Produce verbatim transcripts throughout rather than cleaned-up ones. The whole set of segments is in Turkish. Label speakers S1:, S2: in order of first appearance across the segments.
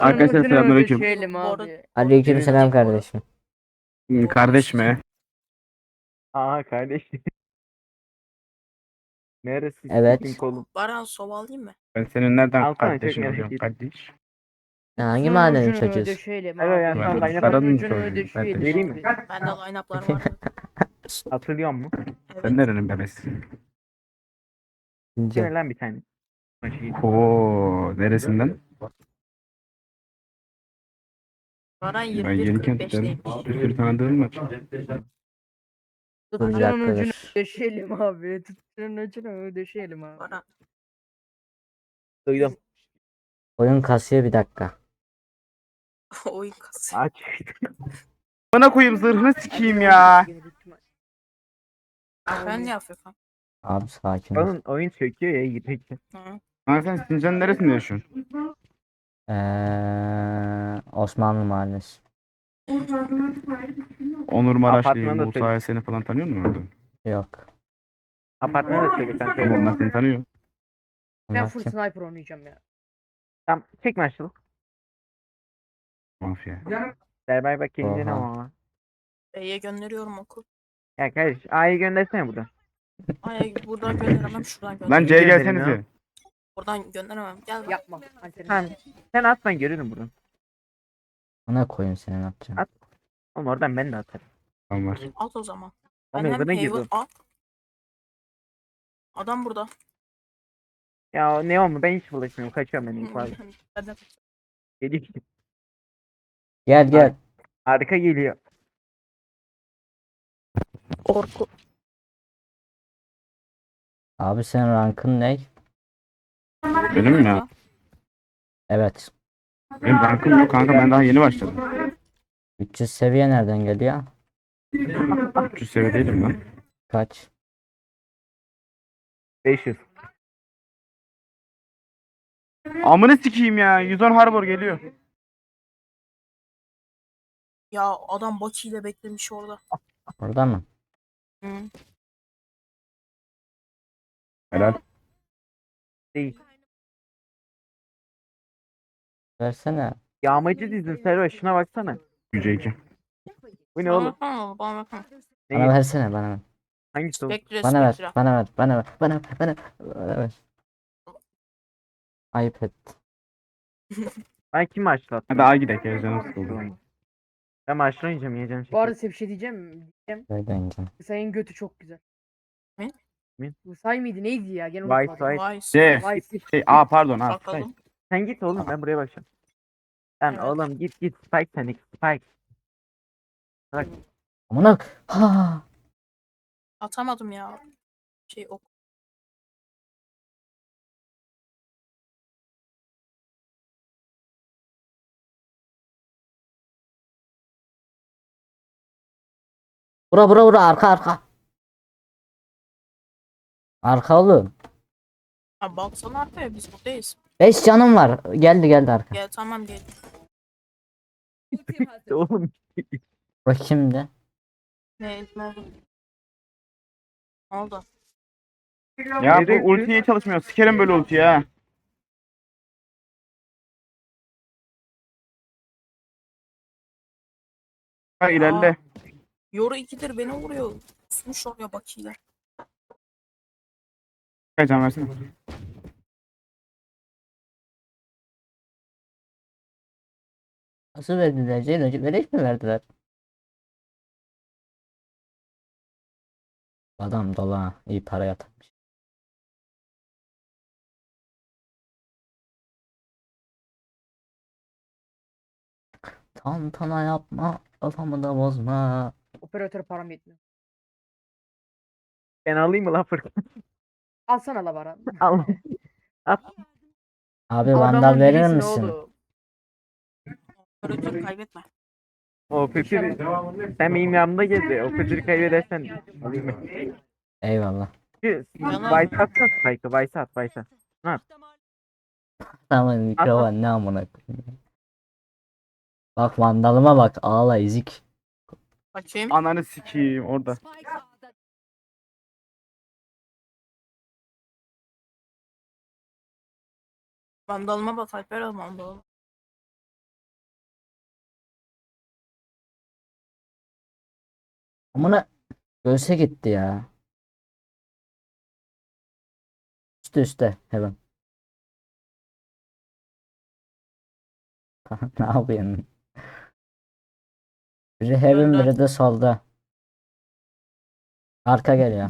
S1: Arkadaşlar selamünaleyküm.
S2: Ödeşelim
S3: Bu arada-
S2: abi.
S4: Aleykümselam kardeşim.
S1: Hmm, Kardeş mi?
S3: Aha kardeş. Neresi
S4: Evet.
S3: sikin kolum?
S5: Baran sova alayım mı?
S1: Ben senin nereden
S3: Alsana, çok
S1: kardeşin
S3: merak
S1: oluyorum
S3: ettim.
S1: kardeş?
S4: Hangi
S2: Şunun
S4: mahallenin
S2: ucunu
S4: çocuğusun?
S2: ödeşelim
S3: Evet,
S2: abi.
S3: yani
S1: Ben
S3: sen
S1: de
S3: line-up
S1: Sarı'nın
S2: ucunu
S1: çocuğuyum,
S2: ödeşelim
S3: vereyim
S2: abi.
S3: mi?
S5: Bende line-up'lar vardı.
S3: Hatırlıyor musun?
S5: Evet.
S1: Sen nerenin bebesi?
S4: İnce.
S3: Gene lan bir tane. Maçı.
S1: Oo, neresinden?
S5: Baran
S1: Ben
S5: yirmi bir kırk
S1: Yenikent'ten
S5: beşteymiş.
S1: bir sürü tanıdığım var.
S4: Dur bir
S2: Tuttuğunun
S4: dakika
S2: ucunu
S4: dur.
S2: ödeşelim abi. Tuttuğunun ucunu ödeşelim abi.
S5: Baran.
S3: Duydum.
S4: Oyun kasıyor bir dakika.
S5: Oyun kasıyor.
S3: Aç.
S1: Bana koyayım zırhını sikeyim ya.
S5: Ben ne yapıyorum?
S4: Abi sakin ol.
S3: Onun oyun çöküyor ya gitmek.
S5: Hı.
S1: Lan sen Sincan'ın neresinde yaşıyorsun?
S4: Ee, Osmanlı Mahallesi.
S1: Onur Maraşlı,
S3: Apartmanda
S1: Musa
S3: söyle.
S1: Yasen'i falan tanıyor musun orada?
S4: Yok.
S3: Apartmana da söyle sen
S1: Ama
S3: söyle.
S1: onlar seni tanıyor.
S2: Ben
S4: Onlar
S2: full
S4: kim?
S2: sniper oynayacağım ya.
S3: Tamam çek maçlı.
S1: Mafya.
S3: Berbay bak gelince ne
S4: Oha.
S3: ama.
S5: B'ye gönderiyorum okul.
S3: Ya kardeş A'yı göndersene buradan.
S5: Ay buradan gönderemem şuradan
S1: Lan
S5: gönderemem.
S1: C'ye
S3: gönderin
S1: gelsenize.
S5: Buradan gönderemem. Gel bak.
S2: Yapma. Alperen.
S3: Tamam. Sen at ben görürüm buradan.
S4: Ona koyayım seni ne yapacağım.
S3: At. Oğlum oradan ben de atarım.
S1: Tamam var.
S5: At o zaman.
S3: Oğlum
S5: Ben hem
S3: evine
S5: Haven
S3: girdim.
S5: at. Adam burada.
S3: Ya ne olmu ben hiç bulaşmıyorum. Kaçıyorum ben ilk abi.
S5: Ben de-
S3: Geliyor.
S4: Gel gel.
S3: Arka geliyor.
S5: Korku.
S4: Abi senin rankın ne?
S1: Benim mi ya?
S4: Evet.
S1: Benim rankım yok kanka, ben daha yeni başladım.
S4: üç yüz seviye nereden geliyor?
S1: üç yüz seviye değilim lan.
S4: Kaç?
S3: beş yüz.
S1: Amını sikeyim ya. yüz on Harbor geliyor.
S5: Ya adam Baki ile beklemiş orada.
S4: Orada mı?
S5: Hı.
S1: Helal.
S3: Değil.
S4: Versene.
S3: Yağmacı dizin Serva şuna baksana.
S1: Yüce iki.
S3: Bu ne
S5: Bana
S3: oğlum?
S5: baksana, bana baksana.
S3: Ne?
S4: Bana versene bana ver.
S3: Hangisi oğlum?
S5: Spectre,
S4: Bana ver.
S5: Spectre.
S4: Bana ver. Bana ver. Bana ver. Bana ver. Bana ver. Ayıp et.
S3: Ben kim başlattım?
S1: Hadi A gidelim ya, canım sıkıldı.
S3: Ben maçla oynayacağım yiyeceğim
S2: Bu
S3: şekil.
S2: arada size bir şey diyeceğim. diyeceğim.
S4: Böyle ineceğim.
S2: Sayın götü çok güzel.
S5: Ne?
S3: Ne?
S2: Bu say mıydı neydi ya? Gene
S3: Vice,
S2: unutmadım.
S3: Vice.
S5: Vay.
S1: C.
S2: Vay.
S1: Şey, A pardon A.
S5: Bakalım.
S3: Sen git oğlum ben buraya bakacağım. Sen
S5: Evet.
S3: oğlum git git Spike sen git Spike. Bak
S4: Amına. Ha.
S5: Atamadım ya. Şey ok.
S4: Bura bura bura arka arka. Arka oğlum.
S5: Ha baksana arkaya biz buradayız.
S4: beş canım var. Geldi geldi arka.
S5: Gel tamam gel.
S3: oğlum.
S4: Bura kimdi?
S5: Ne, ne oldu? Ne oldu?
S1: Ya
S3: Nereye
S1: bu ulti niye çalışmıyor? Sikerim böyle ulti ya. Ha ilerle.
S5: Yoru ikidir beni vuruyor. Susmuş oraya Baki'yle.
S1: Kaç can versene.
S4: Nasıl verdiler? Ceylan verek mi verdiler? Adam dola iyi para yatırmış. Tantana yapma. Kafamı da bozma.
S2: Operatör param yetmiyor.
S3: Ben alayım mı lan Furkan?
S2: Alsana la Baran.
S3: Al. At.
S4: Abi vandal
S2: Adamın
S4: verir
S2: birisin
S4: misin?
S2: oğlum.
S5: Operatörü kaybetme.
S3: O kötü. Sen benim yanımda gezi. O kötüyü kaybedersen alayım mı?
S4: Eyvallah.
S3: Şu
S5: Yalan.
S3: Vice atsana Spike'ı. Vice at Vice at.
S4: Tamam mikrofon ne amına koyayım. Bak vandalıma bak ağla ezik.
S5: Bakayım.
S1: Ananı sikeyim orada.
S5: Vandalıma bak Alper al vandalı.
S4: Amına göğse gitti ya. Üste üste hemen. Ne yapıyorsun? Biri heaven
S5: Öldü.
S4: biri de solda. Arka geliyor.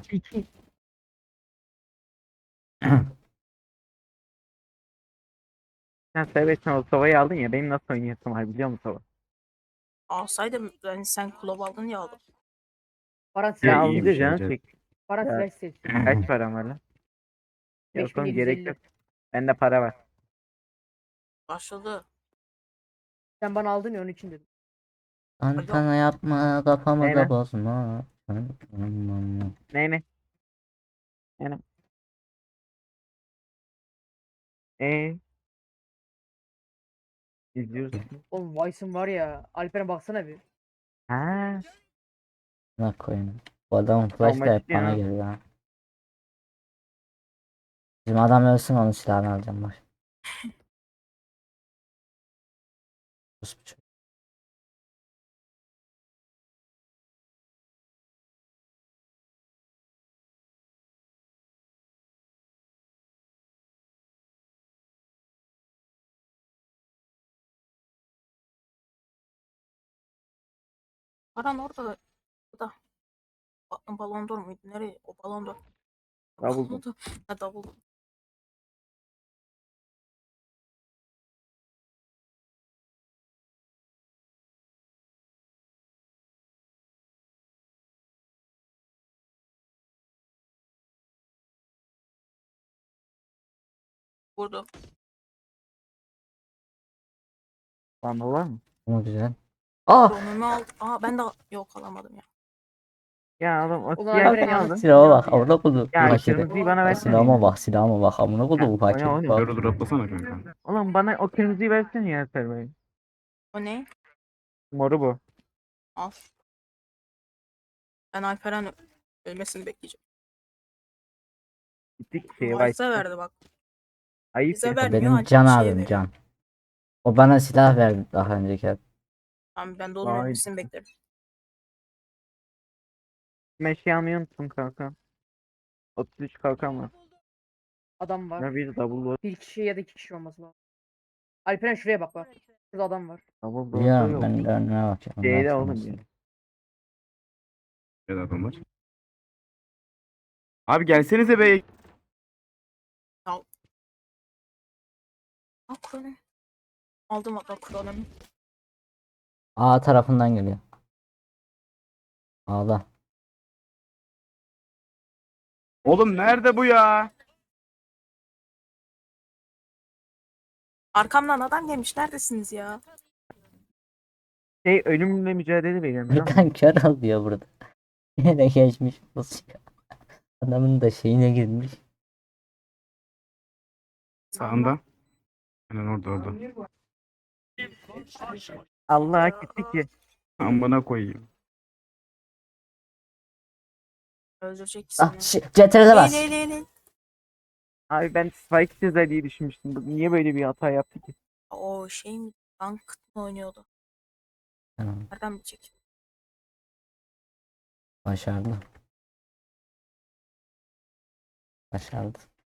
S3: Sen seversen o Sova'yı aldın ya benim nasıl oynayasım var biliyor musun Sova?
S5: Alsaydım yani sen kulüp aldın ya aldım.
S2: Baran
S1: Ya
S2: silah
S3: Ya
S1: iyiymiş
S3: alınca
S2: istiyor.
S1: ya.
S3: canı çek.
S2: Baran
S3: Ya
S2: silah istiyor.
S3: kaç param var lan? Yok oğlum gerek
S2: beş bin yedi yüz elli.
S3: yok. Bende para var.
S5: Başladı.
S2: Sen bana aldın ya onun için dedim.
S4: Antana yapma kafamı
S3: Ne
S4: da
S3: lan?
S4: bozma.
S3: Ne ne? Ne ne? Eee? İzliyoruz.
S2: Oğlum Vice'ın var ya. Alper'e baksana bir.
S3: Ha,
S4: Ne koyayım. Bu adamın flash da
S3: olmak
S4: hep bana
S3: istiyor.
S4: geliyor ha. Bizim adam ölsün onun silahını alacağım bak. Sus bir çocuk.
S5: Paran orada da. Bu da. Ba- Balon d'Or muydu? Nereye? O balon d'Or.
S3: Double
S5: Balon d'Or. Ha davul. Vurdu.
S3: Banda var mı?
S4: Ama güzel. Aa!
S5: Drone'unu aldı. Aa ben de yok alamadım ya.
S3: Ya oğlum o
S2: Ulan
S3: siyah
S2: Alper'e
S3: ne
S2: yanlış
S3: aldın?
S2: silah
S4: Silahıma bak.
S2: aldı ya.
S4: Amına koydum. Bu
S3: Ya
S4: paketi.
S3: kırmızıyı bana
S4: Ya
S3: versene
S4: silahıma
S3: yine.
S4: bak. Silahıma bak. Amına koydum bu
S3: Ha, o ne
S4: paketi.
S3: oğlum?
S4: Bak.
S1: Dur dur atlasana kanka.
S3: Oğlum bana o kırmızıyı versene ya Servay.
S5: O ne?
S3: Moru bu.
S5: Al. Ben Alperen ö- ölmesini bekleyeceğim.
S3: Gittik şeye
S5: Vice'a
S3: başladık.
S5: verdi bak.
S3: Ayıp
S5: Bize
S3: ya.
S4: O
S5: vermiyor
S4: benim can
S5: ancak şeye
S4: abim
S5: veriyor.
S4: can. O bana silah verdi daha önceki.
S5: Tamam ben de onun
S3: Vay.
S5: ölmesini beklerim.
S3: Meşe almayı unuttum kanka. otuz üç kalkan var.
S2: Adam var.
S3: Ya bir double var.
S2: Bir kişi ya da iki kişi olması lazım. Alperen şuraya bak bak. Şurada adam var.
S3: Double da
S4: Biliyorum
S3: yok.
S4: ben de önüne bakıyorum. Ondan
S3: Şeyde oğlum
S4: sonrası.
S3: ya.
S1: Bir adam var. Abi gelsenize be.
S5: Aa kronom. Aldım hatta kronomu.
S4: A tarafından geliyor. Ağla.
S1: Oğlum nerede bu ya?
S5: Arkamdan adam gelmiş. Neredesiniz ya?
S3: Şey ölümle mücadele veriyorum biliyor musun?
S4: Erkan kör alıyor burada. Yine geçmiş olsun. Adamın da şeyine girmiş.
S1: Sağında. Aynen orada orada.
S3: Allah'a gitti ki.
S1: Amına koyayım.
S5: Öldürecek
S4: Ah
S5: seni.
S4: şi- C T R'de bas.
S5: Eğil eğil eğil.
S3: Abi ben Spike çözer diye düşünmüştüm. Bu niye böyle bir hata yaptı ki?
S5: O şey mi? Tank mı oynuyordu?
S4: Tamam,
S5: Nereden bilecek?
S4: başardı. Başardı.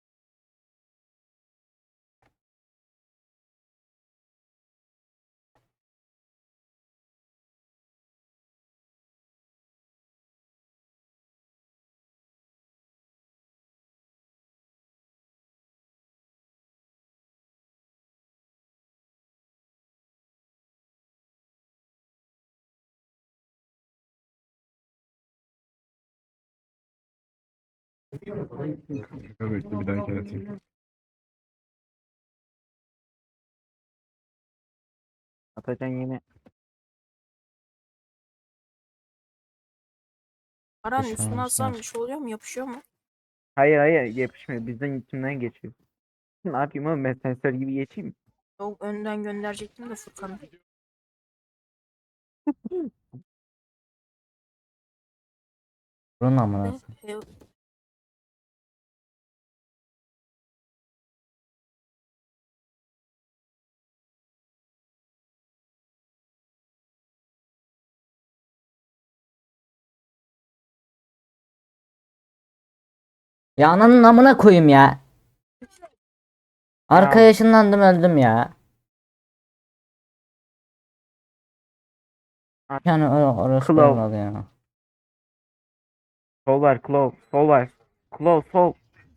S1: Evet bir daha kere atayım.
S3: Atacan yine.
S5: Paranın
S4: Düşman
S5: üstüne alsam
S4: olsun.
S5: bir şey oluyor mu? Yapışıyor mu?
S3: Hayır hayır yapışmıyor. Bizden içimden geçiyor. Ne yapayım oğlum ben sensör gibi geçeyim mi?
S5: Yok önden gönderecektim de Furkan'ı.
S4: Bunun amına.
S5: Ve-
S4: Ya ananın amına koyayım ya. Arkaya
S3: Ya.
S4: ışınlandım öldüm ya. Yani or orası
S3: Claw.
S4: olmadı ya.
S3: Sol var Claw. Sol var. Claw sol.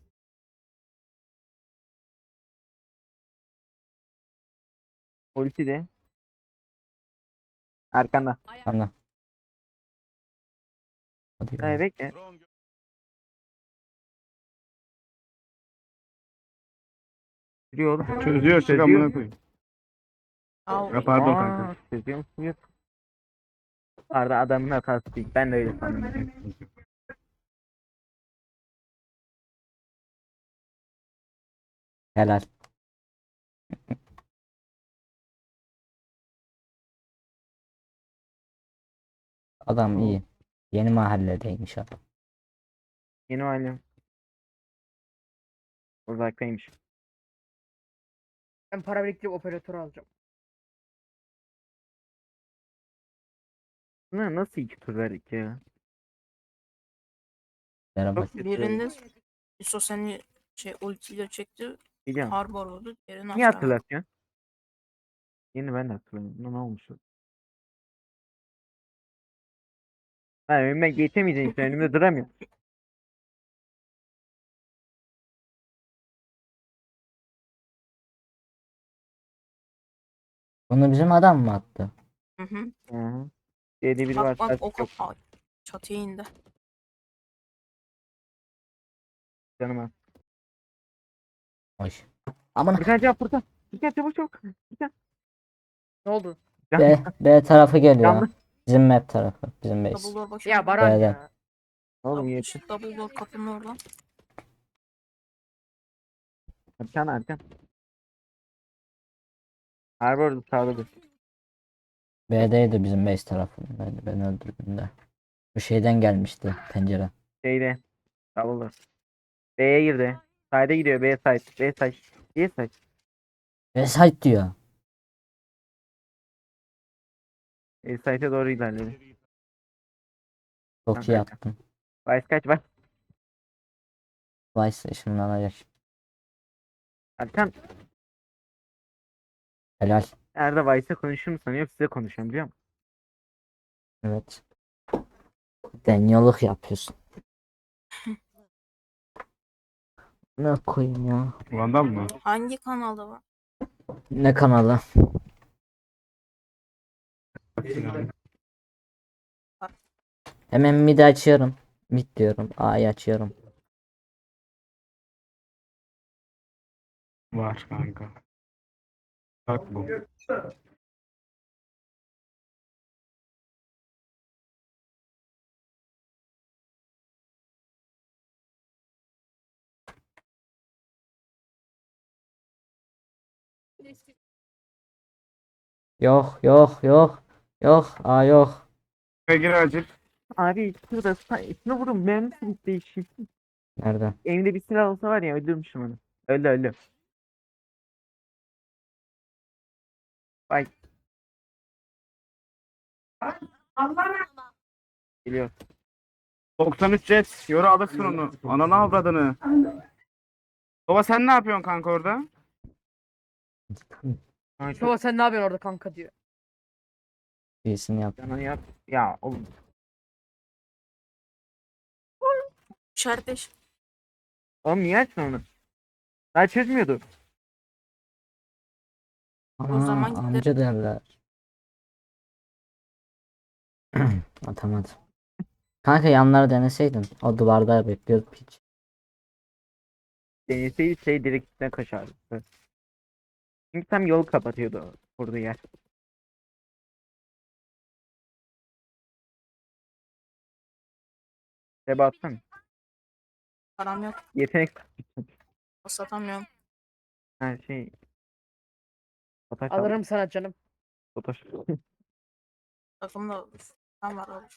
S3: Ulti de. Arkanda.
S4: Tamam. Hadi
S3: Ha,
S4: ya.
S3: bekle. Yürüyor oğlum.
S1: Çözüyor çık
S3: Çözüyor.
S1: amına koyayım.
S5: Ya
S1: Ya pardon
S3: Aa,
S1: kanka.
S3: çözüyor musun? Yok. Arda adamın hatası değil. Ben de öyle sanıyorum.
S4: Helal. Adam iyi. Yeni mahalledeymiş adam.
S3: Yeni halim. Uzaktaymış.
S2: Ben para biriktirip operatör alacağım.
S3: Ne, nasıl iki tur verdik ya?
S4: Merhaba.
S3: Çok kötü.
S5: birinde Yusuf seni şey ultiyle çekti.
S3: Biliyorum.
S5: Harbor oldu. Diğerini
S3: Niye
S5: hatırlamadım.
S3: hatırlatıyorsun? Yeni ben de hatırlamıyorum. Ne ne olmuş? Ben önüme geçemeyeceğim işte önümde duramıyorum.
S4: Bunu bizim adam mı attı?
S5: Hı hı.
S3: Hı hı. Şeyde biri var.
S5: Bak bak
S3: Yok.
S5: o kapı. Ay, çatıya indi.
S3: Canıma.
S4: Hoş. Aman
S3: Furkan cevap Furkan. Furkan çabuk çabuk. Furkan.
S2: Ne oldu?
S3: Can,
S4: B, B tarafı geliyor.
S3: canlı.
S4: Bizim map tarafı. Bizim base.
S5: Dumbledore başı.
S2: Ya Baran
S4: B'de.
S2: ya.
S3: Oğlum yeter.
S5: Dumbledore kapının orada.
S3: Arkan arkan. Harbi orada sağda dur.
S4: B'deydi bizim base tarafındaydı. Ben öldürdüğümde. Bu şeyden gelmişti pencere.
S3: Şeyde. Davullar. B'ye girdi. Side'e gidiyor. B side. B side. B side.
S4: B site diyor.
S3: B side'e doğru ilerledi.
S4: Çok
S3: Tamam,
S4: iyi
S3: kanka.
S4: yaptın.
S3: Vice kaç var?
S4: Vice ışınlanacak.
S3: Arkan.
S4: Helal.
S3: Nerede Vice'e konuşur mu sanıyor? Size konuşuyorum biliyor musun?
S4: Evet. Deniyorluk yapıyorsun. Ne koyayım ya?
S1: Vandal mı?
S5: Hangi kanalda var?
S4: Ne kanalı? Hemen mid açıyorum. Mid diyorum. A'yı açıyorum.
S1: Var kanka. Bak bu.
S4: Yok yok yok. Yok. A yok.
S1: Gir acil.
S3: Abi şurada sa- şunu vurun. Mermisi bitti işi.
S4: Nerede?
S3: Elimde bir silah olsa var ya öldürmüşüm onu. Öldü öldü. Bak. Geliyor.
S1: doksan üç jet. Yoru alırsın onu. Ananı avradını. Baba sen ne yapıyorsun kanka orada?
S3: Kanka,
S2: Baba sen ne yapıyorsun orada kanka diyor.
S4: İyisini yap.
S3: Canını yap. Ya oğlum.
S5: İşaretleş.
S3: Oğlum niye açtın onu? Daha çözmüyordu.
S4: Aa,
S5: zaman gidelim.
S4: amca derler. Atamadı. Kanka yanları deneseydin. O duvarda bekliyordu piç.
S3: Deneseydi şey direkt üstüne kaçardı. Çünkü tam yol kapatıyordu burada yer. Seba atsana.
S5: Param yok.
S3: Yetenek
S5: Satamıyorum.
S3: her şey. Fotoğraf al.
S2: Alırım sana canım.
S3: Fotoğraf.
S5: Takımda tam var abi.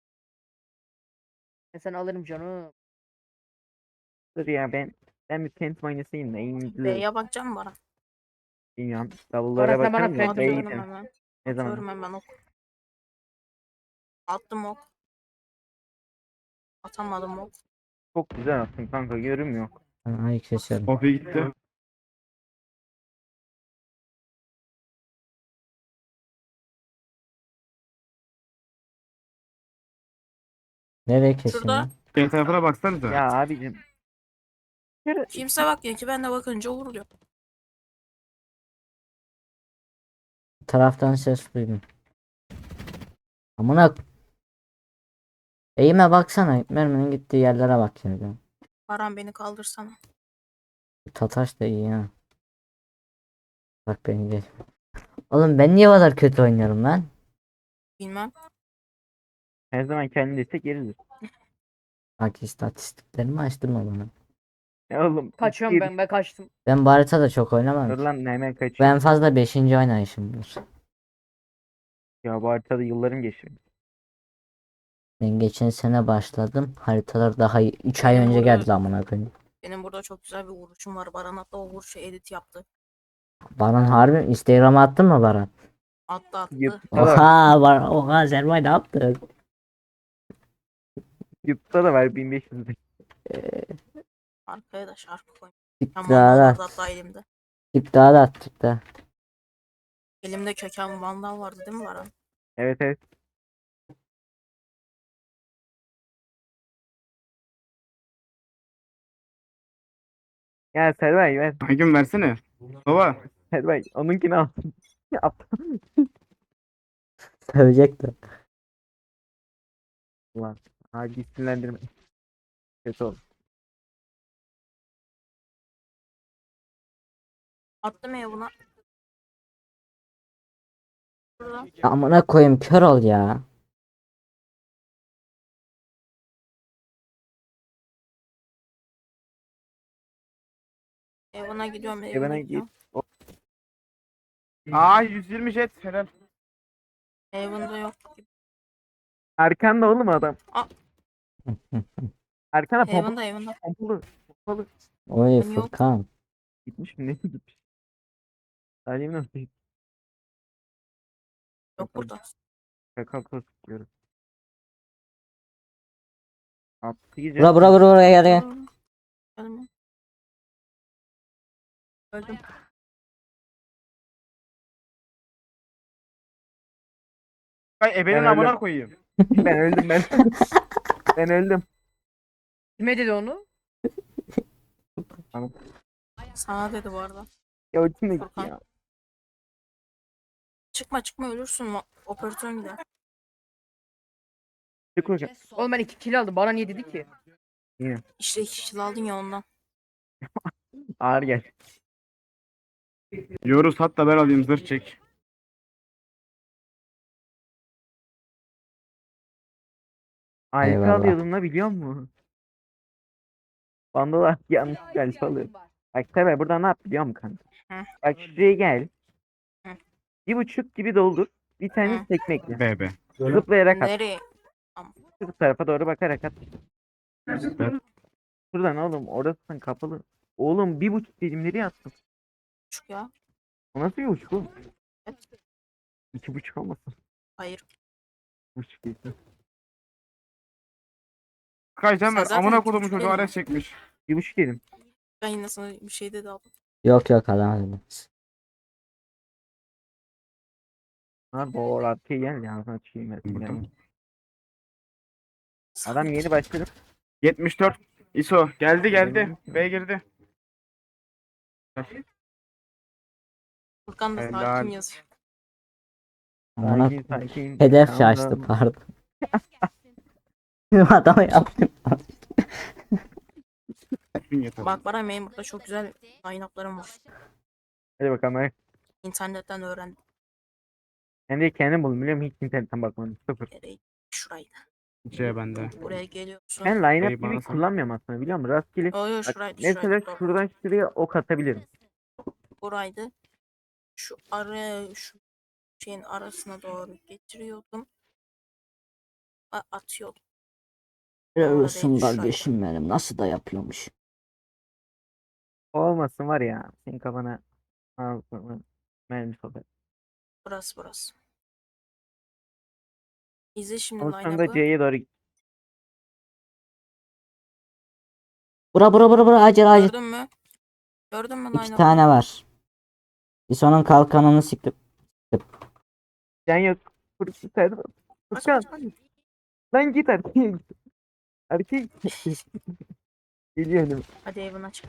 S2: Ben sana alırım canım.
S3: Dur ya ben ben bir tent oynasayım da en
S5: B'ye bakacağım mı Baran?
S3: bilmiyorum. Davullara
S2: Orası bana
S3: bakalım da
S2: Phantom
S3: B'ye
S2: oyunu
S5: Atıyorum
S3: gidelim.
S5: hemen.
S3: Ne
S5: Atıyorum
S3: zaman?
S5: hemen ok. Attım ok. Atamadım ok.
S3: Çok güzel attın kanka, görünmüyor.
S4: Ay keserim.
S1: Poppy gitti.
S4: Nereye kesin
S5: Şurada.
S4: lan?
S1: Şey tarafına baksanıza.
S3: Ya abicim. Kere-
S5: Kimse bakmıyor ki ben de bakınca vuruyor.
S4: Taraftan ses duydum. Amına. Eğime baksana. Merminin gittiği yerlere bak şimdi.
S5: Baran beni kaldırsana.
S4: Tataş da iyi ha. Bak beni geç. Oğlum ben niye bu kadar kötü oynuyorum lan?
S5: Bilmem.
S3: Her zaman kendi destek yeridir.
S4: Bak istatistiklerimi açtırma bana.
S3: Ya oğlum.
S2: Kaçıyorum ben ben kaçtım.
S4: Ben bu haritada çok oynamam
S3: Dur
S4: ki.
S3: lan, hemen kaçıyor.
S4: Ben fazla beşinci oynayışımdır.
S3: Ya bu haritada yıllarım geçiyor.
S4: Ben geçen sene başladım. Haritalar daha üç ay
S5: Benim
S4: önce
S5: burada-
S4: geldi amına koyayım.
S5: Benim burada çok güzel bir vuruşum var. Baran hatta o vuruşu edit yaptı.
S4: Baran harbi Instagram'a attın mı Baran?
S5: Attı attı.
S3: YouTube'da da,
S4: Oha Baran, oha Servay ne yaptın?
S3: YouTube'da da var bin beş yüz.
S5: Arkaya da şarkı koy.
S4: Çık
S5: Köken
S4: daha
S5: Vandal
S4: da
S5: vardı
S4: at.
S5: hatta elimde.
S4: Çık daha da at çık daha.
S5: Elimde köken Vandal vardı değil mi Baran?
S3: Evet evet. Ya Servay ver.
S1: Hakim versene. Baba.
S3: Servay onunkini al. At.
S4: Sövecek de.
S3: Ulan. Hadi sinirlendirme. Kötü oldu.
S5: Attım ya buna. Şurada.
S4: Amına koyayım kör ol ya.
S5: Evine gidiyorum
S3: Evine
S5: evine
S3: git.
S5: gidiyorum.
S1: Aa yüz yirmi jet. Helal.
S5: Evinde yok.
S3: Arkanda oğlum adam.
S5: Aa.
S3: Arkana pompa,
S5: Evinde evinde.
S3: pompalı. Pompalı.
S4: Oy
S5: Ben yok.
S4: Furkan.
S3: Gitmiş mi? Ne gitmiş? Salim nasıl?
S5: Yok burada.
S3: Şaka tutuyorum. Attı gece.
S4: Bura bura bura buraya gel gel.
S5: Geldim. Öldüm.
S1: Ay ebenin
S3: Ben
S1: amına
S3: öldüm.
S1: koyayım.
S3: Ben öldüm ben. Ben öldüm.
S2: Kime dedi onu?
S5: Sana dedi bu arada.
S3: Ya ultim de gitti
S5: Furkan.
S3: ya.
S5: Çıkma çıkma ölürsün. Ma- Operatörün gider.
S3: Çık hocam.
S2: Oğlum ben iki kill aldım. Bana niye dedi ki?
S5: İşte iki kişi aldın ya ondan.
S3: Ağır gel.
S1: Yoruz hatta ben alayım zırh çek.
S3: Alfa
S4: Eyvallah.
S3: alıyordum la, biliyor musun? Bandolar yanlış alfa alıyor. Bak tabi burada ne yap biliyor musun kanka?
S5: Hı.
S3: Bak şuraya gel.
S5: Hı.
S3: Bir buçuk gibi doldur. Bir tane
S5: Hı.
S3: tekme ekle.
S1: Be be.
S3: Zıplayarak at.
S5: Nereye?
S3: Şu tarafa doğru bakarak at.
S1: Süper.
S3: Şuradan oğlum, orası kapalı. Oğlum bir buçuk dedim, nereye attın?
S5: Küçük ya.
S3: O nasıl bir buçuk oğlum?
S5: Evet.
S3: İki buçuk olmasın?
S5: Hayır.
S3: Buçuk değil.
S1: Kaycan
S5: Sen
S1: ver.
S5: zaten
S1: Amına
S5: iki
S1: kodumun
S5: buçuk
S1: çocuğu
S5: değil mi?
S1: ares çekmiş.
S3: Bir buçuk dedim.
S5: Ben yine sana bir şey dedi aldım.
S4: Yok yok adam.
S3: Abi o arkaya gel ya. Ağzına çiğim et.
S1: Burada.
S3: Adam yeni başladı.
S1: yetmiş dört. ISO. Geldi geldi. B girdi.
S5: Furkan da
S1: Helal.
S5: sakin yazıyor.
S4: Amına
S3: Sakin sakin.
S4: hedef
S3: Tamam,
S4: şaştı
S3: tamam.
S4: pardon. Adamı yaptım.
S1: Yeter.
S5: Bak bana benim burada çok güzel line-up'larım var.
S3: Hadi bakalım. Hadi.
S5: İnternetten öğrendim.
S3: Ben de kendim buldum, biliyor musun? Hiç internetten bakmadım. Sıfır.
S5: Nereye? Şuraydı.
S1: C bende.
S5: Buraya geliyorsun.
S3: Ben line-up
S1: Şey, bana
S3: gibi
S1: sen-
S3: kullanmıyorum aslında, biliyor musun? Rastgele.
S5: Yo yo
S3: Bak,
S5: şuraydı
S3: mesela
S5: şuraydı. Doğru.
S3: şuradan şuraya ok atabilirim.
S5: Buraydı. Şu araya şu şeyin arasına doğru getiriyordum. A- atıyordum.
S4: Helal
S5: Orada
S4: olsun
S5: değil, şuraydı.
S4: kardeşim benim. Nasıl da yapıyormuş.
S3: Olmasın var ya. Senin kafana ağzına mermi sokar.
S5: Burası burası. İzle şimdi
S3: Ama sonra da
S5: line-up'ı.
S3: C'ye doğru git.
S4: Bura bura bura bura acil acil.
S5: Gördün mü? Gördün mü
S4: İki
S5: Nine
S4: tane var. Lison'un kalkanını siktim.
S3: Can yok. Furkan.
S5: Kaç
S3: Furkan.
S5: kaç kaç.
S3: Lan git erkeğe git. Erkeğe git. Geliyor önüme.
S5: Hadi evine çık.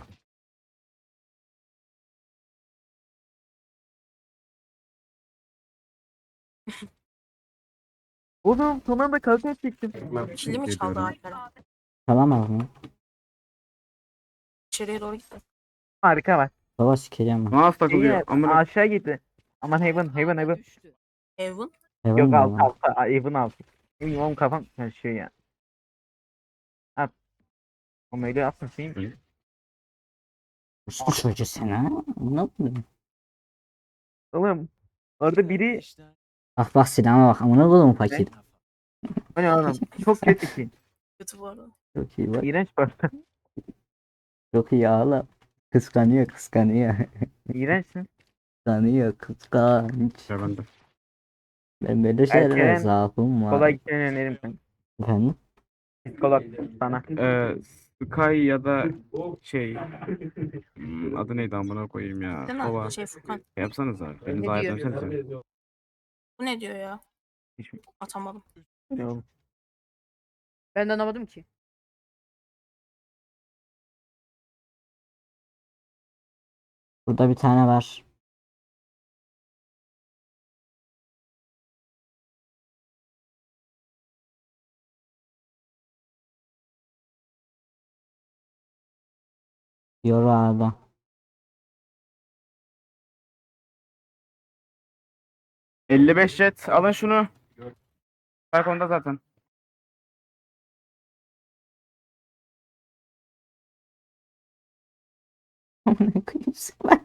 S3: Oğlum son anda kalkan çektim.
S5: Kili mi çaldı Alperen?
S4: Tamam mı?
S5: İçeriye doğru gitti.
S3: Harika var.
S4: Baba sikeceğim ben.
S1: Mouse
S3: İyi
S1: takılıyor. Amına.
S3: aşağı gitti. Aman hayvan hayvan hayvan.
S5: Evan.
S4: Heaven
S3: Yok
S4: mi
S3: alt
S4: lan?
S3: altta. Hayvan altı. Benim oğlum kafam karışıyor ya. At. Oğlum öyle yapsın şeyim.
S4: Bu çocuğu sen ha? Ne yapıyorsun?
S3: Oğlum. Orada biri.
S4: Bak bak silahıma bak. Amına koydum fakir.
S3: Hani oğlum. Çok kötü ki.
S5: Kötü bu arada.
S4: Çok iyi bak.
S3: İğrenç bu arada.
S4: Çok iyi ağla. Kıskanıyor kıskanıyor.
S3: İğrençsin.
S4: Kıskanıyor kıskanç.
S1: Ya ben de.
S4: Ben böyle şeylere
S3: Erkelen
S4: zaafım var.
S3: kolay gitmeni öneririm kanka.
S4: Efendim?
S3: Psikolog sana.
S1: Ee, Sky ya da şey hmm, adı neydi amına koyayım ya.
S5: Değil
S1: Baba
S5: mi? Şey Furkan.
S1: şey yapsanıza. Beni
S2: Ne
S1: zahmet
S2: diyor?
S1: etsenize.
S5: Bu ne diyor ya?
S3: Hiç mi?
S5: Atamadım.
S3: Ne oğlum?
S2: Ben de anlamadım ki.
S4: Burada bir tane var. Yoru ağda.
S1: elli beş jet. Alın şunu. Balkonda zaten.
S4: Amına koyayım sıkmak.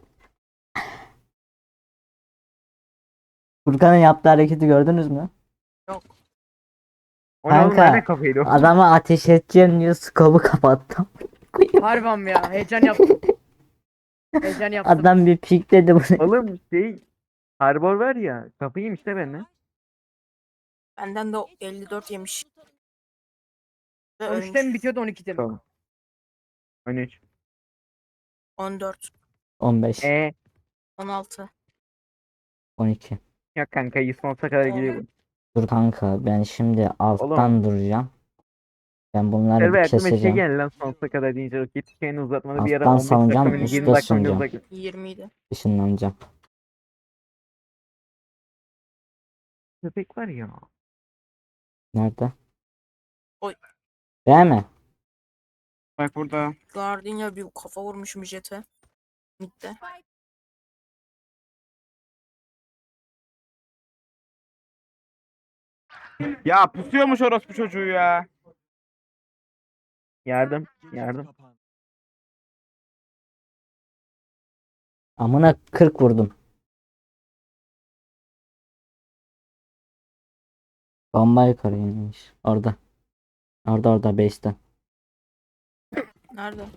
S4: Furkan'ın yaptığı hareketi gördünüz mü?
S5: Yok.
S3: O ne oğlum?
S4: Kanka,
S3: Nerede kafaydı o?
S4: Adama ateş edeceğim diyor skobu kapattım.
S2: Harbam ya. Heyecan yaptım. Heyecan yaptım.
S4: Adam bir pik dedi bunu.
S3: Oğlum şey. Harbor var ya. Kafayı yemiş de benden.
S5: Benden de o elli dört yemiş. Ve
S2: on üçte mi
S5: ölmüş.
S2: bitiyordu on ikide mi?
S3: Tamam. on üç.
S5: on dört.
S4: on beş,
S3: Eee.
S5: on altı.
S4: on iki.
S3: Yok kanka yüz sonsuza kadar gidiyor bu.
S4: Dur kanka ben şimdi alttan duracağım. Ben bunları
S3: Server
S4: bir
S3: aklıma şey
S4: keseceğim.
S3: geldi lan sonsuza kadar deyince roket hikayeni uzatmalı bir ara
S4: Alttan
S3: on beş dakika
S4: salacağım,
S3: mı yirmi
S4: üstte
S3: dakika mı
S4: sunacağım.
S3: uzak.
S5: yirmi idi.
S4: Işınlanacağım.
S3: Köpek var ya.
S4: Nerede?
S5: Oy.
S4: Değil mi?
S1: Bak burada.
S5: Gardenia bir kafa vurmuşum jete. Mid'de.
S1: Ya pusuyormuş orospu çocuğu ya.
S3: Yardım. Yardım.
S4: Amına kırk vurdum. Bomba yukarı inmiş. Orada. Orada orada base'te.
S5: Nerede?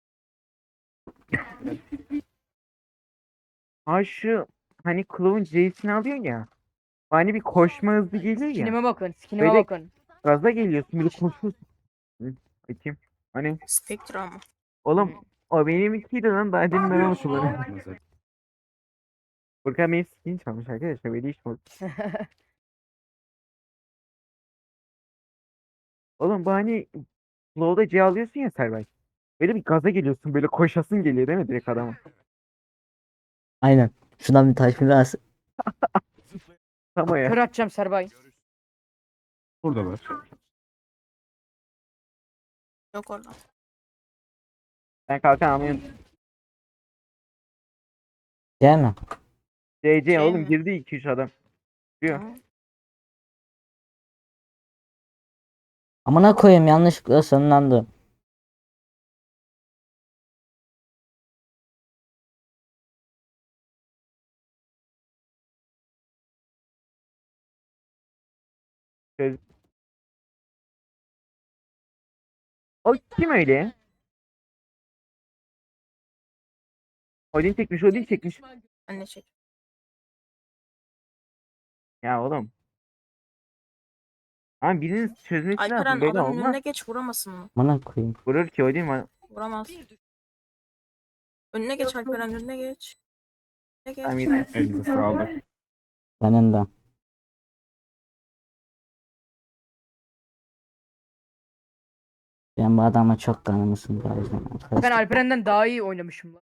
S3: Ha şu hani Clove'un J'sini alıyor ya. Hani bir koşma hızı geliyor ya.
S2: Skinime bakın. Skinime
S3: Böyle-
S2: bakın.
S3: Gaza geliyorsun bir koşuyorsun. Hı, bakayım. Hani
S5: Spectra mı?
S3: oğlum o benim ikiydi lan daha demin ben onu kullanıyorum. Furkan benim skin çalmış arkadaşlar böyle iş mi olur? Oğlum bu hani Flow'da C alıyorsun ya Servay. Böyle bir gaza geliyorsun böyle koşasın geliyor değil mi direkt adama?
S4: Aynen. Şuradan bir taş biraz.
S3: Tam o ya.
S2: Kör atacağım Serbay.
S1: Burada var.
S5: Yok orada.
S3: Ben kalkan almıyorum.
S4: Değil mi?
S3: C C
S5: Şey
S3: oğlum
S5: mi?
S3: girdi iki üç adam. Diyor.
S5: Tamam.
S4: Amına koyayım yanlışlıkla sonlandı.
S3: O kim öyle? Odin çekmiş Odin çekmiş.
S5: Anne çek.
S3: Ya oğlum. Ama birinin çözmesi lazım
S5: Alperen
S3: böyle
S5: adamın
S3: olmaz.
S5: önüne geç vuramasın mı?
S4: Amına koyayım.
S3: Vurur ki Odin var.
S5: Vuramaz. Önüne geç Alperen, önüne geç. Önüne geç.
S3: Tamam yeter.
S1: Elinize sağlık.
S4: Senin de. Ben bu adama çok kanımı sındı o yüzden
S2: Ben
S4: arkadaşlar.
S2: Alperen'den daha iyi oynamışım lan.